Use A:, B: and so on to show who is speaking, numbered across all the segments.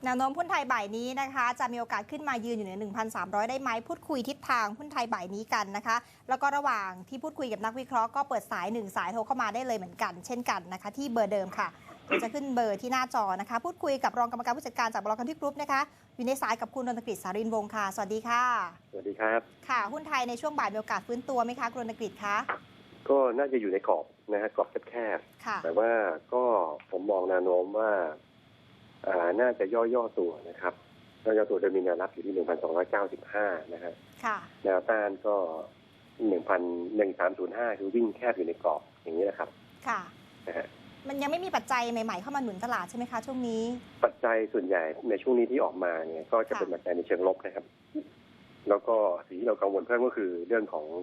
A: แนวโน้มหุ้นไทยบ่ายนี้นะคะจะมีโอกาสขึ้นมายืนอยู่เหนือ 1,300 ได้ไหมพูดคุยทิศทางหุ้นไทยบ่ายนี้กันนะคะแล้วก็ระหว่างที่พูดคุยกับนักวิเคราะห์ก็เปิดสาย1สายโทรเข้ามาได้เลยเหมือนกันเช่นกันนะคะที่เบอร์เดิมค่ะจะขึ้นเบอร์ที่หน้าจอนะคะพูดคุยกับรองกรรมการผู้จัดการจากบล.คันทรีกรุ๊ปนะคะอยู่ในสายกับคุณรณกฤษ สารินวงศ์ค่ะสวัสดีค่ะ
B: สวัสดีครับ
A: ค่ะหุ้นไทยในช่วงบ่ายมีโอกาสฟื้นตัวไหมคะคุณรณกฤษคะ
B: ก็น่าจะอยู่ในกรอบนะฮะกรอบแคบๆแต่ว่าก็ผมมองแนวโน้มว่าน่าจะย่อตัวนะครับย่อตัวโดยมีแนวรับอยู่ที่ 1,295 นะฮะแนวต้านก็ 1,1305 คือวิ่งแคบอยู่ในกรอบอย่างนี้นะครับ
A: ค่ะ
B: นะฮะ
A: มันยังไม่มีปัจจัยใหม่ๆเข้ามาหนุนตลาดใช่ไหมคะช่วงนี้
B: ปัจจัยส่วนใหญ่ในช่วงนี้ที่ออกมาเนี่ยก็จะเป็นปัจจัยในเชิงลบนะครับแล้วก็สิ่งที่เรากังวลเพิ่มก็คือเรื่องของ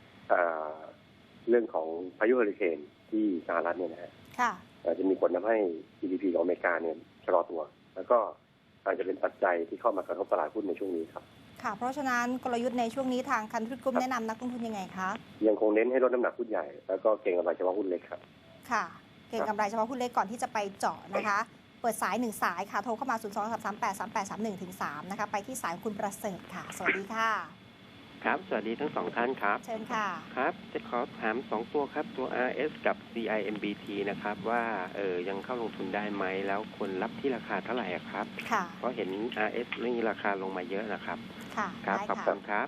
B: พายุเฮอริเคนที่สหรัฐเนี่ยนะฮะจะมีผลทำให้ GDP ของอเมริกาเนี่ยชะลอตัวแล้วก็อาจจะเป็นปัจจัยที่เข้ามากระทบตลาดหุ้นในช่วงนี้ครับ
A: ค่ะเพราะฉะนั้นกลยุทธ์ในช่วงนี้ทางคันทรีกรุ๊ปแนะนำนักลงทุนยังไงคะ
B: ยังคงเน้นให้ลดน้ำหนักหุ้นใหญ่แล้วก็เก็งกำไรเฉพาะหุ้นเล็กครับ
A: ค่ะเก็งกำไรเฉพาะหุ้นเล็กก่อนที่จะไปเจาะนะคะเปิดสาย1สายค่ะโทรเข้ามา 023383831-3 นะคะไปที่สายคุณประเสริฐค่ะสวัสดีค่ะ
C: ครับสวัสดีทั้งสองท่านครับ
A: เชิญค่ะ
C: ครับจะขอถาม2ตัวครับตัว RS กับ CIMBT นะครับว่ายังเข้าลงทุนได้ไหมแล้วควรรับที่ราคาเท่าไหร่ครับเพราะเห็น RS นี่ราคาลงมาเยอะนะครับ
A: ครับ
C: ขอบคุณครับ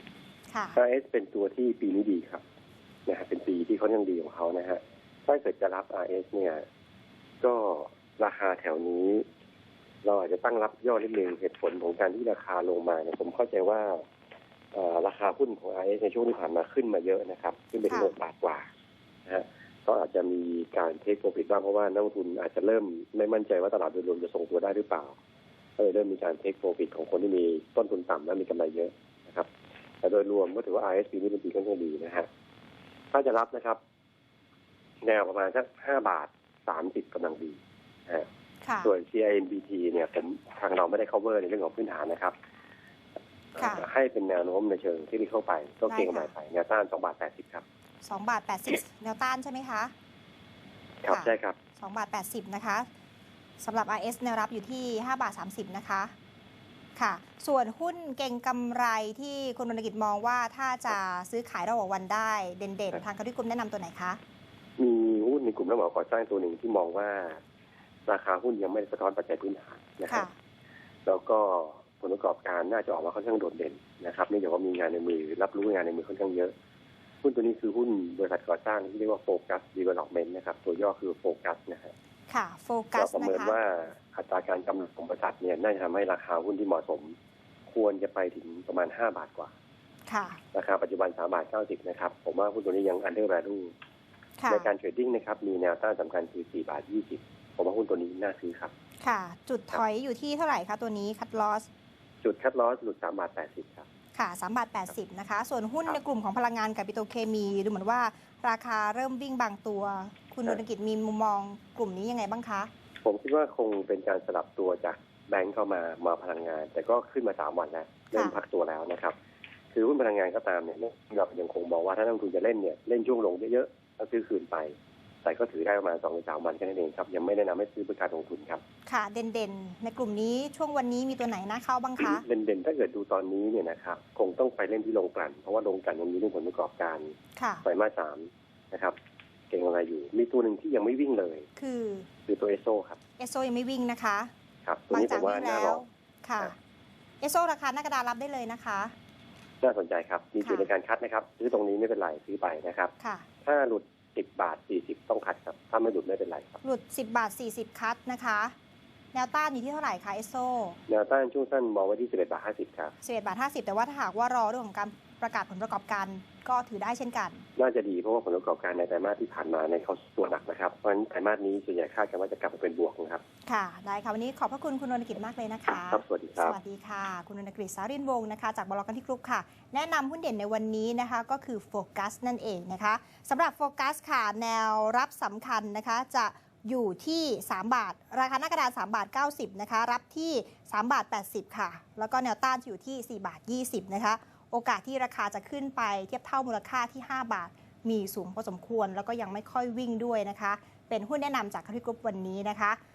B: RS เป็นตัวที่ปีนี้ดีครับนะฮะเป็นปีที่เขายังดีของเขานะฮะถ้าเกิดจะรับ RS เนี่ยก็ราคาแถวนี้เราอาจจะตั้งรับย่อนิดนึงเหตุผลของการที่ราคาลงมาเนี่ยผมเข้าใจว่าราคาหุ้นของ RS ในช่วงที่ผ่านมาขึ้นมาเยอะนะครับขึ้นไปถึง6 บาทกว่านะฮะก็อาจจะมีการเทคโปรฟิตบ้างเพราะว่านักลงทุนอาจจะเริ่มไม่มั่นใจว่าตลาดโดยรวมจะทรงตัวได้หรือเปล่าก็เลยเริ่มมีการเทคโปรฟิตของคนที่มีต้นทุนต่ำและมีกำไรเยอะนะครับแต่โดยรวมก็ถือว่า RS ปีนี้เป็นปีค่อนข้างดีนะฮะถ้าจะรับนะครับแนวประมาณสัก5 บาท 30กำลังดีนะฮะส่วน CIMBT เนี่ยทางเราไม่ได้ cover ในเรื่องของพื้นฐานนะครับให้เป็นแนวโน้มในเชิงที่เข้าไปก็เก็งกำไรไปแนวต้าน2 บาท 80ครับ
A: 2 บาท 80แนวต้านใช่ไหมคะ
B: ครับใช่ครับ
A: 2 บาท 80นะคะสำหรับ RS แนวรับอยู่ที่5 บาท 30นะคะค่ะส่วนหุ้นเก่งกำไรที่คุณรณกิจมองว่าถ้าจะซื้อขายระหว่างวันได้เด่นๆทางคันทรีกรุ๊ปแนะนำตัวไหนคะ
B: มีหุ้นในกลุ่มรับเหมาก่อสร้างตัวหนึ่งที่มองว่าราคาหุ้นยังไม่สะท้อนปัจจัยพื้นฐานนะครับแล้วก็ผลประกอบการน่าจะออกมาค่อนข้างโดดเด่นนะครับเนื่องจากว่ามีงานในมือรับรู้งานในมือค่อนข้างเยอะหุ้นตัวนี้คือหุ้นบริษัทก่อสร้างที่เรียกว่าโฟกัสดีเวล็อปเมนต์นะครับตัวย่อคือโฟกัสนะฮะ
A: ค่ะโฟกัส
B: นะคะประเมินว่าอัตราการกำไรของบริษัทเนี่ยน่าจะทำให้ราคาหุ้นที่เหมาะสมควรจะไปถึงประมาณ5 บาทกว่า
A: ค่ะ
B: ราคาปัจจุบัน3 บาท 90นะครับผมว่าหุ้นตัวนี้ยังอันเดอร์แวลูในการเทรดดิ้งนะครับมีแนวต้านสำคัญคือ4 บาท 20ผมว่าหุ้นตัวนี้น่าซื้อครับ
A: ค่ะจุดถอยอยู่ที่เท่าไหร่คะตัวนี้คัทลอส
B: จุดคัทลอสหลุด3 บาท 80ครับ
A: ค่ะ3 บาท 80นะคะส่วนหุ้นในกลุ่มของพลังงานกับปิโตรเคมีดูเหมือนว่าราคาเริ่มวิ่งบางตัวคุณรณกิจมีมุมมองกลุ่มนี้ยังไงบ้างคะ
B: ผมคิดว่าคงเป็นการสลับตัวจากแบงก์เข้ามาพลังงานแต่ก็ขึ้นมา3 วันแล้วเริ่มพักตัวแล้วนะครับคือหุ้นพลังงานก็ตามเนี่ยเรายังคงมองว่าถ้านักลงทุนจะเล่นเนี่ยเล่นช่วงลงเยอะๆแล้วซื้อคืนไปแต่ก็ถือได้ประมาณ2-3 วันแค่นั้นเองครับยังไม่แนะนำให้ซื้อเป็นการลงทุนครับ
A: ค่ะเด่นๆในกลุ่มนี้ช่วงวันนี้มีตัวไหนน่าเข้าบ้างคะ
B: เด่นๆถ้าเกิดดูตอนนี้เนี่ยนะครับคงต้องไปเล่นที่โรงกลั่นเพราะว่าโรงกลั่นยังมีเรื่องผลประกอบการไตรมาส 3นะครับเก่งอะไรอยู่มีตัวหนึ่งที่ยังไม่วิ่งเลยคือตัวเอสโซครับ
A: เอสโซยังไม่วิ่งนะคะ
B: ครับตัวนี้ผมว่าน่ารอ
A: ค่ะเอสโซราคาหน้ากระดานรับได้เลยนะคะ
B: น่าสนใจครับมีจุดในการคัดนะครับซื้อตรงนี้ไม่เป็นไรซื้อไปนะครับถ้าหลุด10 บาท 40ต้องคัดครับถ้าไม่หลุดไม่เป็นไรครับ
A: หลุด10 บาท 40คัดนะคะแนวต้านอยู่ที่เท่าไหร่คะเอสโซ
B: แนวต้านช่วงสั้นมองไว้ที่11 บาท 50ครับ
A: 11 บาท 50แต่ว่าถ้าหากว่ารอเรื่องของการประกาศผลประกอบการก็ถือได้เช่นกัน
B: น่าจะดีเพราะว่าผลประกอบการในไตรมาสที่ผ่านมาในเขาตัวหนักนะครับเพราะฉะนั้นไตรมาสนี้ส่วนใหญ่คาดกันว่าจะกลับมาเป็นบวกนะครับ
A: ค่ะได้ค่ะวันนี้ขอบพระคุณคุณรณกิจมากเลยนะคะ
B: ครับสวัสดีครับ
A: สวัสดีค่ะคุณรณกฤษ สารินวงศ์นะคะจากบล.คันทรีกรุ๊ปค่ะแนะนำหุ้นเด่นในวันนี้นะคะก็คือโฟกัสนั่นเองนะคะสำหรับโฟกัสค่ะแนวรับสำคัญนะคะจะอยู่ที่3 บาทราคาหน้ากระดาน3 บาท 90นะคะรับที่3 บาท 80ค่ะแล้วก็แนวต้านอยู่ที่4 บาท 20นะคะโอกาสที่ราคาจะขึ้นไปเทียบเท่ามูลค่าที่5 บาทมีสูงพอสมควรแล้วก็ยังไม่ค่อยวิ่งด้วยนะคะเป็นหุ้นแนะนำจากคันทรีกรุ๊ปวันนี้นะคะ